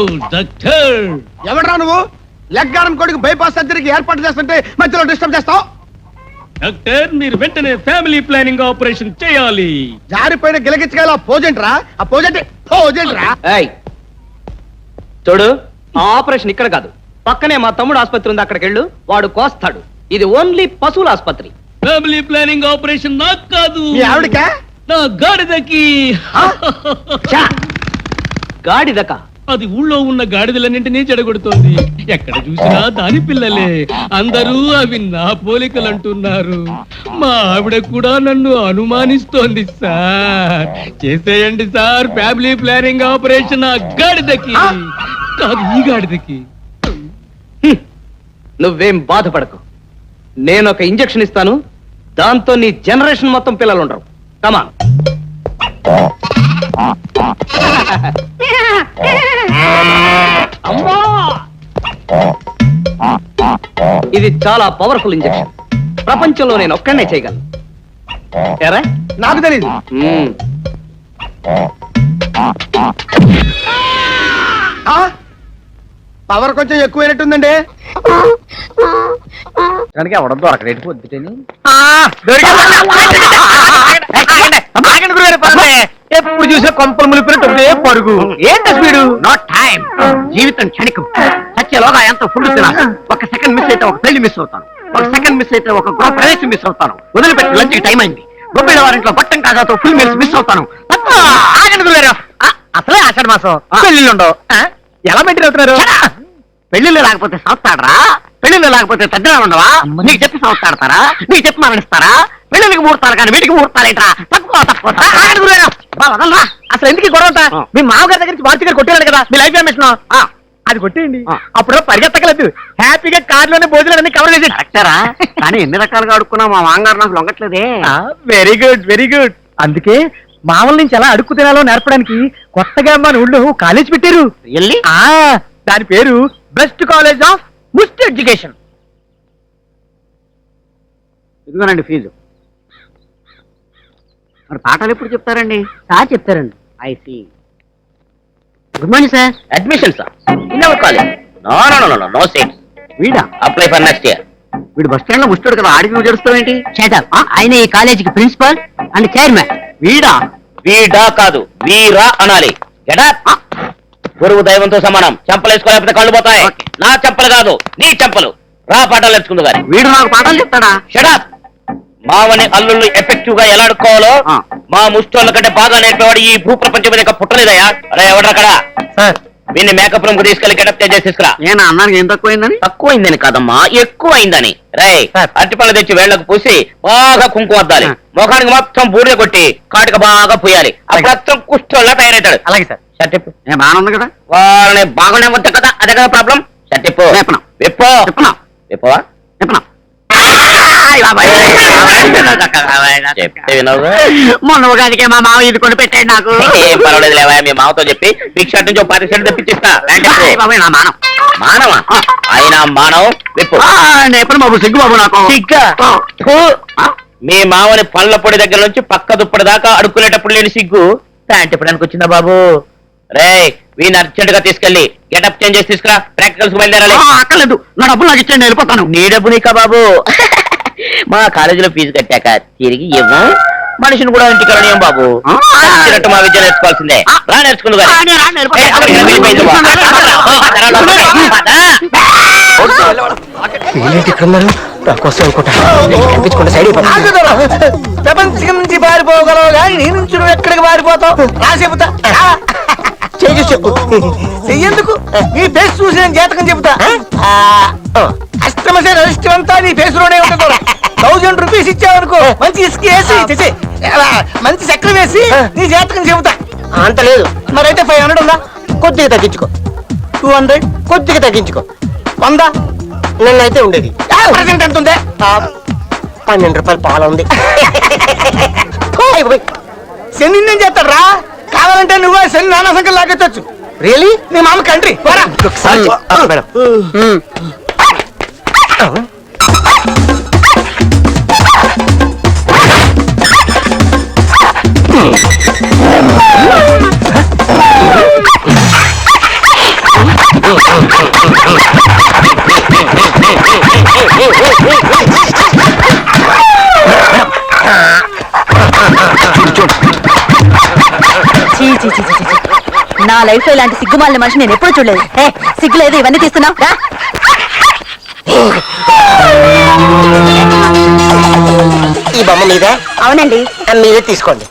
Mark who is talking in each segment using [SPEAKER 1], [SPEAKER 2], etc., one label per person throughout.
[SPEAKER 1] Doctor.
[SPEAKER 2] ఎవడ్రా నువ్వు? Leg arm కొడుకు బైపాస్ సర్జరీకి ఏర్పాటు చేస్తుంటే మధ్యలో డిస్టర్బ్ చేస్తావు.
[SPEAKER 1] డాక్టర్, మీరు వెంటనే ఫ్యామిలీ ప్లానింగ్ ఆపరేషన్ చేయాలి.
[SPEAKER 2] జారిపోయిన గిలగిచ్చగల పోజెంట్రా. ఆ పోజెంట్రా.
[SPEAKER 3] చూడు, ఆ ఆపరేషన్ ఇక్కడ కాదు, పక్కనే మా తమ్ముడు ఆసుపత్రి ఉంది, అక్కడికి వెళ్ళు, వాడు కోస్తాడు. ఇది ఓన్లీ పశువుల ఆసుపత్రి.
[SPEAKER 1] ఫ్యామిలీ ప్లానింగ్ ఆపరేషన్ నాకు కాదు,
[SPEAKER 2] మీ ఆవిడకా?
[SPEAKER 1] నా గాడిదకి.
[SPEAKER 3] గాడిదక?
[SPEAKER 1] అది ఊళ్ళో ఉన్న గాడిదలన్నింటినీ చెడగొడుతోంది. ఎక్కడ చూసినా దాని పిల్లలే. అందరూ అవి నా పోలికలు అంటున్నారు. మా ఆవిడ కూడా నన్ను అనుమానిస్తోంది. సార్, చేసేయండి సార్ ఫ్యామిలీ ప్లానింగ్ ఆపరేషన్ ఆ గాడిదకి కాదు, ఈ గాడిదకి.
[SPEAKER 3] నువ్వేం బాధపడకు, నేను ఒక ఇంజెక్షన్ ఇస్తాను, దాంతో నీ జనరేషన్ మొత్తం పిల్లలు ఉండరు. కమా. అమ్మా, ఇది చాలా పవర్ఫుల్ ఇంజెక్షన్. ప్రపంచంలో నేను ఒక్కడనే చేయగలను. ఏరా?
[SPEAKER 2] నాకు తెలియదు. పవర్ కొంచెం ఎక్కువైనట్టుందండి.
[SPEAKER 3] కనుక ఎవడద్దు అక్కడ పొద్దుటని ఎప్పుడు చూసే కొంపలు ములిపినట్టు పరుగు. ఏంటి స్పీడు? Not time. జీవితం క్షణికం. సత్యలోగా ఎంత ఫుడ్ తినాలి. ఒక సెకండ్ మిస్ అయితే ఒక పెళ్లి మిస్ అవుతాను, ఒక సెకండ్ మిస్ అయితే ఒక గృహ ప్రవేశం మిస్ అవుతాను. వదిలిపెట్టి లంచ్ టైం అయింది. గొప్ప వారింట్లో బట్టం కాగాతో ఫుల్ మీల్స్ మిస్ అవుతాను. అసలే ఆషాఢ మాసం, పెళ్లిళ్ళు ఉండవు. ఎలా మెయింటైన్ అవుతున్నారు? పెళ్లిళ్ళు లేకపోతే సంస్థాడరా? పెళ్లిళ్ళు లేకపోతే తద్దినాలు ఉండవా? నీకు చెప్పి సంస్థాడతారా? నీకు చెప్పి మరణిస్తారా? పెళ్లికి ముహూర్తాలు కానీ వీటికి ముహూర్తాలు ఏంట్రా? తక్కువ. అసలు ఎందుకు గొడవ? మీ మామగారి దగ్గర నుంచి వార్త గారు కొట్టేయాలి కదా మీ లైఫ్ ఎమిషన్. అది కొట్టేయండి, అప్పుడు పరిగెత్తకలేదు. హ్యాపీగా కార్లోనే భోజనాలన్నీ కవర్ చేసి కరెక్టారా? కానీ ఎన్ని రకాలుగా అడుక్కున్నా మా మామగారు నాకు లొంగట్లేదే. Very good, very good. అందుకే మామూలు నుంచి ఎలా అడుక్కు తినాలో నేర్పడానికి కొత్తగా మన ఊళ్ళో కాలేజ్ పెట్టారు. దాని పేరు best college of must education. ఇదిగోనండి ఫీజు. మరి పాఠాలు ఎప్పుడు చెప్తారండి? సార్ చెప్తారండి. I see. Good morning sir. Admission sir in our college. No seats. వీడా? Apply for next year. వీడు బస్ స్టాండ్ లో ముస్తాడు కదా, ఆడికి నువ్వు జరుస్తావేంటి? ఆయన ఈ కాలేజీకి ప్రిన్సిపల్ అండ్ చైర్మన్. వీడా కాదు, వీరా అనాలి. గురువు దైవంతో సమానం. చెంపలు వేసుకోలేకపోతే కళ్ళు పోతాయి. నా చెంపలు కాదు, నీ చెంపలు. రా పాఠాలు నేర్చుకుందు గాని. వీడు నాకు పాఠాలు చెప్తాడా? షడప్. మావని అల్లుళ్ళు ఎఫెక్టివ్ గా ఎలా అడుక్కోవాలో మా ముష్టోళ్ళ కంటే బాగా నేర్పేవాడు ఈ భూప్రపంచం మీద పుట్టలేదయా. అరే ఎవడక్కడ? వీన్ని మేకప్ రూమ్ కు తీసుకెళ్లి గెటప్ చేసి తీసుకురా. నేను అన్నానికి ఏం తక్కువైందని? తక్కువైందని కాదమ్మా, ఎక్కువైందని. రై అరటిపళ్ళు తెచ్చి వేళ్లకు పూసి బాగా కుంకుమ వద్దాలి. ముఖానికి మొత్తం బూడిద కొట్టి కాటికి బాగా పోయాలి. అప్పుడు కుష్టోళ్ళ తయారవుతాడు. అలాగే సార్. షర్టిప్పు. బాగా ఉంది కదా? వాళ్ళని బాగానే వద్దు కదా, అదే కదా ప్రాబ్లం. షర్టిప్పు. విప్పవా? మొన్న ఉగాదికే మా మావ ఇది కొని పెట్టాడు నాకు. ఏం పర్వాలేదు లేవా, మీ మావతో చెప్పి బిగ్ షర్ట్ నుంచి 10 షర్ట్ తెప్పించిస్తా. మానవా? ఆయన మానవ్ విప్పు. ఎప్పుడు బాబు సిగ్గు బాబు నాకు. సిగ్గా? మీ మావని పళ్ళ పొడి దగ్గర నుంచి పక్క దుప్పటి దాకా అడుక్కునేటప్పుడు లేని సిగ్గు ప్యాంట్ ఇప్పడానికి వచ్చిందా బాబు? రే వీని అర్జెంట్ గా తీసుకెళ్లి గెటప్ చేంజ్ చేసి తీసుకురా. ప్రాక్టికల్స్ బయలుదేరాలి. అక్కర్లేదు, నా డబ్బులు నాకు ఇచ్చేయండి, వెళ్ళిపోతాను. నీ డబ్బు నీకా బాబు? మా కాలేజీలో ఫీజు కట్టాక తిరిగి ఇవ్వం. మనిషిని కూడా ఇంటికి వెళ్ళనియం బాబు. మా విద్య నేర్చుకోవాల్సిందే. రా నేర్చుకుందు.
[SPEAKER 4] ప్రపంచం నుంచి పారిపోగలవు కానీ నీ నుంచి నువ్వు ఎక్కడికి పారిపోతావు? రా చెబుతా. చెప్పు. చెయ్యేందుకు? నీ ఫేస్ చూసి నేను జాతకం చెబుతా. అష్టమసే రజిస్టర్ అంతా నీ ఫేస్ లోనే ఉండదు. 1000 రూపీస్ ఇచ్చావనుకో, మంచి ఇసుక వేసి మంచి చక్రం వేసి నీ జాతకం చెబుతా. అంత లేదు. మరైతే 500 ఉందా? కొద్దిగా తగ్గించుకో. 200 కొద్దిగా తగ్గించుకో. 100 నిన్నైతే ఉండేది. ప్రజెంట్ ఎంత ఉంది? 12 రూపాయలు పాల ఉంది. శని నేను చేస్తాడు రా. కావాలంటే నువ్వు శని నానా సంఖ్యలు లాగెత్తచ్చు. రియలీ? నీ మామ కంట్రీ.
[SPEAKER 5] చి, చి, చి, చి, చి. నా లైఫ్ లో ఇలాంటి సిగ్గుమాలిన మనిషి నేను ఎప్పుడు చూడలేదు. ఏ సిగ్గులేదు ఇవన్నీ తీస్తున్నావు రా.
[SPEAKER 4] ఈ బొమ్మ మీద
[SPEAKER 5] అవునండి.
[SPEAKER 4] మీరే తీసుకోండి.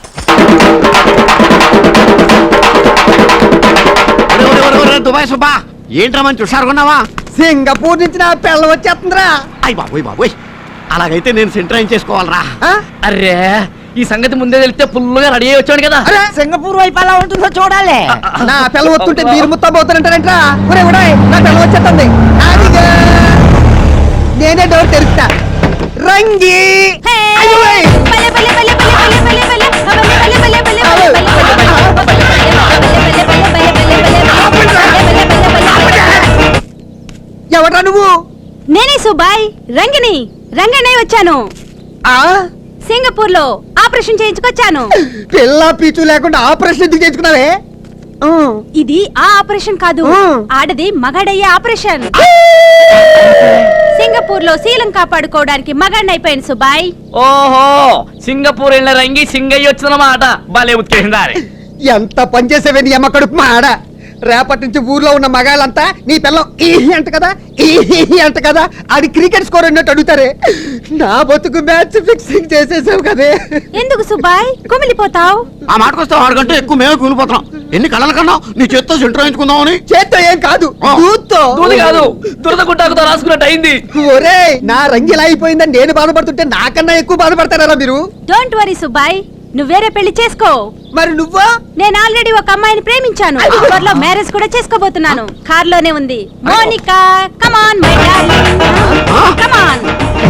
[SPEAKER 2] దుబాయ్ సుబ్బా ఏంట్రా మంచి హుషారుకున్నావా? సింగపూర్ నుంచి నా పిల్ల వచ్చేస్తుందిరా. అయ్య బాబోయ్ బాబోయ్, అలాగైతే నేను సెంటర్ చేసుకోవాలరా.
[SPEAKER 1] అరే ఈ సంగతి ముందే తెలిస్తే ఫుల్గా రెడీ అయ్యి వచ్చాడు కదా.
[SPEAKER 2] అరే
[SPEAKER 4] సింగపూర్ వైపు ఎలా ఉంటుందో చూడాలి.
[SPEAKER 2] నా పిల్ల వస్తుంటే మీరు ముత్తబోతానంటారంట్రా. ఒరే ఒరే, నా పిల్ల వచ్చేస్తుంది. అదిగో. నేనే డోర్ తెరుస్తా. రంగి అయ్యోయ్. ఎవడ్రా నువ్వు?
[SPEAKER 5] నేనే సుబాయ్ రంగిని రంగనే వచ్చాను.
[SPEAKER 2] ఆ
[SPEAKER 5] సింగపూర్ లో ఆపరేషన్ చేయించుకొచ్చాను.
[SPEAKER 2] పిల్ల పీచు లేకుండా ఆపరేషన్ ఎందుకు చేయించుకున్నావే?
[SPEAKER 5] ఇది ఆ ఆపరేషన్ కాదు, ఆడది మగాడయ్యే ఆపరేషన్. సింగపూర్ లో శీలం కాపాడుకోవడానికి మగాడిని అయిపోయాను సుబాయ్.
[SPEAKER 1] ఓహో సింగపూర్ వెళ్ళిన రంగి సింగయ్య వచ్చిందన్నమాట. భలే ఉత్కేసిందా.
[SPEAKER 2] ఎంత పనిచేసేవే నీ అమ్మ కడుపు మా ఆడ. రేపటి నుంచి ఊర్లో ఉన్న మగాళ్ళంతా నీ పిల్లం ఈ అంట కదా ఈ అంట కదా అది క్రికెట్ స్కోర్ అన్నట్టు అడుగుతారే. నా బతుకు మ్యాచ్ ఫిక్సింగ్ చేసేసావు కదే.
[SPEAKER 5] ఎందుకు సుబాయ్ కుమిలిపోతావు?
[SPEAKER 2] ఆ మాటకొస్తావు, ఆడకంటే ఎక్కువ మేమే కూలిపోతున్నాం. ఎన్ని కళ్ళల కన్నా నీ చేత్తో సెంటర్ వేయించుకుందామని. చేత్తో ఏం కాదు, దూత్తో.
[SPEAKER 1] దూది కాదు దురద గుట్టాకుతో రాసుకున్నట్టు అయింది.
[SPEAKER 2] ఒరే నా రంగి ఇలా అయిపోయిందని నేను బాధపడుతుంటే నాకన్నా ఎక్కువ బాధపడతారా మీరు?
[SPEAKER 5] డోంట్ వరీ సుబాయ్, నువ్వు వేరే పెళ్లి చేసుకో.
[SPEAKER 2] మరి నువ్వా?
[SPEAKER 5] నేను ఆల్రెడీ ఒక అమ్మాయిని ప్రేమించాను. త్వరలో మ్యారేజ్ కూడా చేసుకోబోతున్నాను. కార్ లోనే ఉంది. Monica come on my darling come on.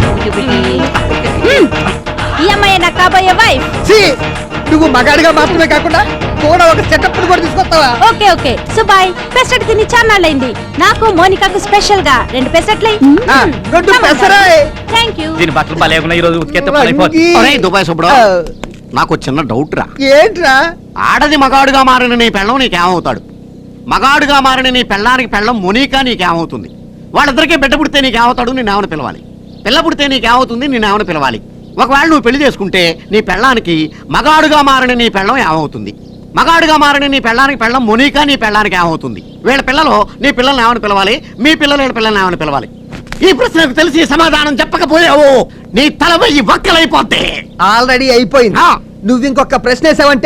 [SPEAKER 5] ఈ అమ్మాయి నా కాబోయే వైఫ్.
[SPEAKER 2] నువ్వు మగాడిగా మాత్రమే కాకుండా కూడా ఒక సెటప్ కూడా తీసుకొస్తావా?
[SPEAKER 5] ఓకే ఓకే సుబాయ్, పెసరట్ తిని చాన్నాళ్ళైంది. నాకు మోనికాకు స్పెషల్ గా 2 పెసరట్లే. Thank you.
[SPEAKER 1] దీని బట్టలు భలే ఉన్నాయి. ఈ రోజు ఉతికేస్తే
[SPEAKER 2] దుబాయ్ సుబ్బడా, నాకు చిన్న డౌట్ రా. ఏంట్రా? ఆడది మగాడుగా మారిన నీ పెళ్ళం నీకేమవుతాడు? మగాడుగా మారిన నీ పెళ్ళానికి పెళ్ళం మునీకా నీకేమవుతుంది? వాళ్ళిద్దరికీ బిడ్డ పుడితే నీకేమవుతాడు? నేనేమని పిలవాలి? పిల్ల పుడితే నీకేమవుతుంది? నేనేమని పిలవాలి? ఒకవేళ నువ్వు పెళ్లి చేసుకుంటే నీ పెళ్ళానికి మగాడుగా మారిన నీ పెళ్ళం ఏమవుతుంది? మగాడుగా మారిన నీ పెళ్ళానికి పెళ్ళం మునీకా నీ పెళ్ళానికి ఏమవుతుంది? వీళ్ళ పిల్లలు నీ పిల్లల్ని ఏమని పిలవాలి? మీ పిల్లలు వీళ్ళ పిల్లల్ని ఏమని పిలవాలి? ఈ ప్రశ్నకు తెలిసి సమాధానం చెప్పకపోయావు నీ తల వెయ్యి వక్కలైపోతే. ఆల్రెడీ అయిపోయింది. నువ్వు ఇంకొక ప్రశ్న వేసావంటే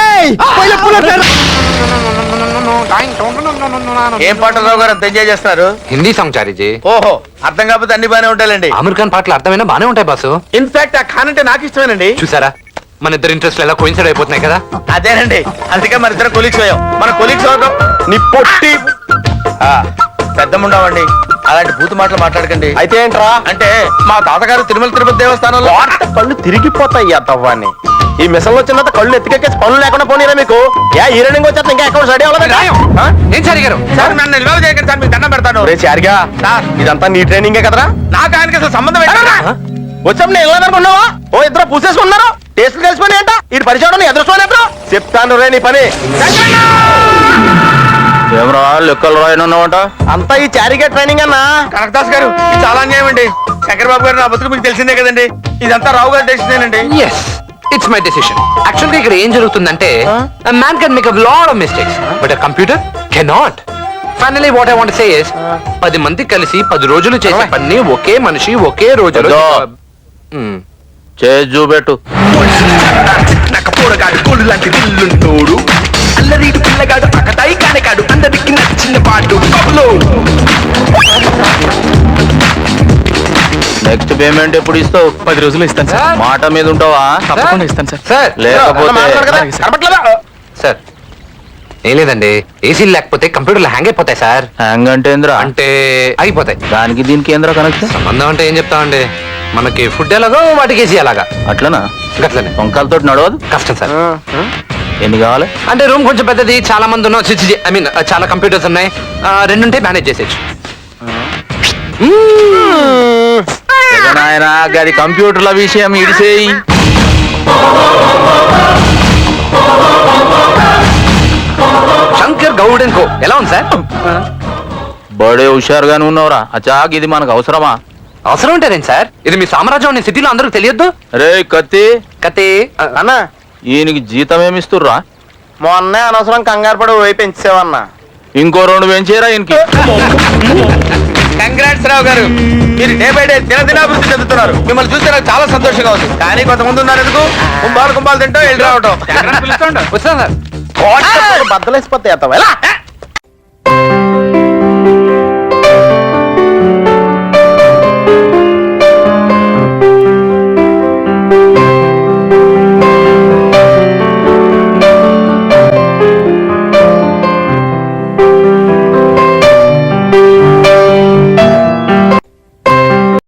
[SPEAKER 6] ఏం పాటరావు గారు అంత ఎంజాయ్ చేస్తున్నారు?
[SPEAKER 7] హిందీ సాంగ్ చారీజీ.
[SPEAKER 6] ఓహో, అర్థం కాకపోతే అన్ని బానే ఉంటాయండి.
[SPEAKER 7] అమెరికన్ పాటలు అర్థమైనా బానే ఉంటాయి బాసు.
[SPEAKER 6] ఇన్ఫాక్ట్ ఆ ఖాన్ అంటే నాకు ఇష్టమేనండి.
[SPEAKER 7] చూసారా మన ఇద్దరు ఇంట్రెస్ట్ ఎలా కోయిన్సైడ్ అయిపోతున్నాయి కదా.
[SPEAKER 6] అదేనండి, అందుకే మన ఇద్దరు కొలీగ్స్ అయ్యాం. మన కొలీగ్స్ నీ పొట్టి పెద్దముండవండి. అలాంటి బూతు మాటలు మాట్లాడకండి.
[SPEAKER 2] అయితే ఏంట్రా?
[SPEAKER 6] అంటే మా తాతగారు తిరుమల తిరుపతి దేవస్థానంలో
[SPEAKER 2] కళ్ళు తిరిగిపోతాయి అవ్వాన్ని. ఈ మిషన్ వచ్చినంత కళ్ళు ఎత్తికెక్కేసి పనులు లేకుండా పోనీరా మీకు? ఈ రన్నింగ్ వచ్చేస్తే ఇంకా అకౌంట్ రెడీ అవ్వలేదు.
[SPEAKER 7] ఏం చారి గారు?
[SPEAKER 6] సార్ నన్ను నిల్వ చేయకండి సార్, మీకు దండం పెడతాను.
[SPEAKER 2] చారిగా ఇదంతా నీ ట్రైనింగే కదరా?
[SPEAKER 6] నాకు ఆయనకి అసలు సంబంధం ఏంటన్నా?
[SPEAKER 2] వచ్చాం నేను వెళ్ళదనుకున్నావా? ఓ ఇద్దరు పూసేసుకున్నారు. టేస్ట్లు కలిసిపోయి ఏంట? ఈ పరిచయం ఎదురుకోని ఎదురు చెప్తాను రే నీ పని.
[SPEAKER 6] ఏమరా లెక్కలు రాయనున్నావంట?
[SPEAKER 2] అంతా ఈ చారిగా ట్రైనింగ్ అన్నా.
[SPEAKER 6] కనకదాస్ గారు ఇది చాలా అన్యాయం అండి. శంకర్ బాబు గారు నా బతుకు మీకు తెలిసిందే కదండి. ఇదంతా రావు గారి డెసిషనేనండి.
[SPEAKER 7] yes it's my decision. actually ఇక్కడ ఏం జరుగుతుందంటే a man can make a lot of mistakes but a computer cannot. finally what I want to say is 10 మంది కలిసి 10 రోజులు చేసే పని ఒకే మనిషి ఒకే రోజులో
[SPEAKER 6] చేసి చూపెట్టు.
[SPEAKER 8] నాకు పోరగాడు కోడు లాంటి దిల్లుంటోడు, అల్లరీడు పిల్లగాడు అకతాయి కానగాడు, అందరికి నచ్చిన పాటు కబులో.
[SPEAKER 6] నెక్స్ట్ పేమెంట్ ఎప్పుడు ఇస్తావు?
[SPEAKER 1] 10 రోజులు ఇస్తాను సార్.
[SPEAKER 6] మాట మీద ఉంటావా?
[SPEAKER 1] తప్పకుండా ఇస్తాను సార్.
[SPEAKER 7] సార్
[SPEAKER 6] లేకపోతే
[SPEAKER 7] సార్ ఏం లేదండి, ఏసీలు లేకపోతే కంప్యూటర్లు హ్యాంగ్ అయిపోతాయి సార్.
[SPEAKER 6] హ్యాంగ్ అంటే ఏంద్రా?
[SPEAKER 7] అంటే అయిపోతాయి.
[SPEAKER 6] దానికి దీనికి ఏంద్రా కనెక్షన్?
[SPEAKER 7] సంబంధం అంటే ఏం చెప్తామండి, మనకి ఫుడ్ ఎలాగో వాటికి ఏసీ అలాగా.
[SPEAKER 6] అట్లనా?
[SPEAKER 7] గట్లనే.
[SPEAKER 6] వంకాలతో నడవదు.
[SPEAKER 7] కష్టం సార్.
[SPEAKER 6] ఎన్ని కావాలి?
[SPEAKER 7] అంటే రూమ్ కొంచెం పెద్దది, చాలా మంది ఉన్నాం, ఐ మీన్ చాలా కంప్యూటర్స్ ఉన్నాయి, 2 ఉంటే మేనేజ్ చేసేయచ్చు.
[SPEAKER 6] నాయనా గది కంప్యూటర్ల విషయం ఇడిసేయి.
[SPEAKER 7] శంకర్ గౌడ్ అండ్ కో ఎలా ఉంది సార్?
[SPEAKER 6] బడే హుషారుగానే ఉన్నవరా. అచాక్ ఇది మనకు అవసరమా?
[SPEAKER 7] అవసరం ఉంటేనేం సార్, ఇది మీ సామ్రాజ్యం అనే సిటీలో అందరికి తెలియద్దు.
[SPEAKER 6] రే కత్తి
[SPEAKER 7] కతే
[SPEAKER 6] అన్నా ఈయనకి జీతం ఏమిస్తుర్రా? మొన్నే అనవసరం కంగారు పడి పోయి పెంచావన్నా. ఇంకో 2 పెంచేరా ఇంకి. కంగ్రాట్స్ రావు గారు, మీరు డే బై డే దినదినాభివృద్ధి చెందుతున్నారు. మిమ్మల్ని చూస్తే నాకు చాలా సంతోషంగా ఉంది. కానీ కొంతమంది ఉన్నారు ఎందుకు కుంభాలు తింటూ వెళ్ళి రావటం.
[SPEAKER 7] వస్తాను సార్.
[SPEAKER 6] బద్దలేసిపోతే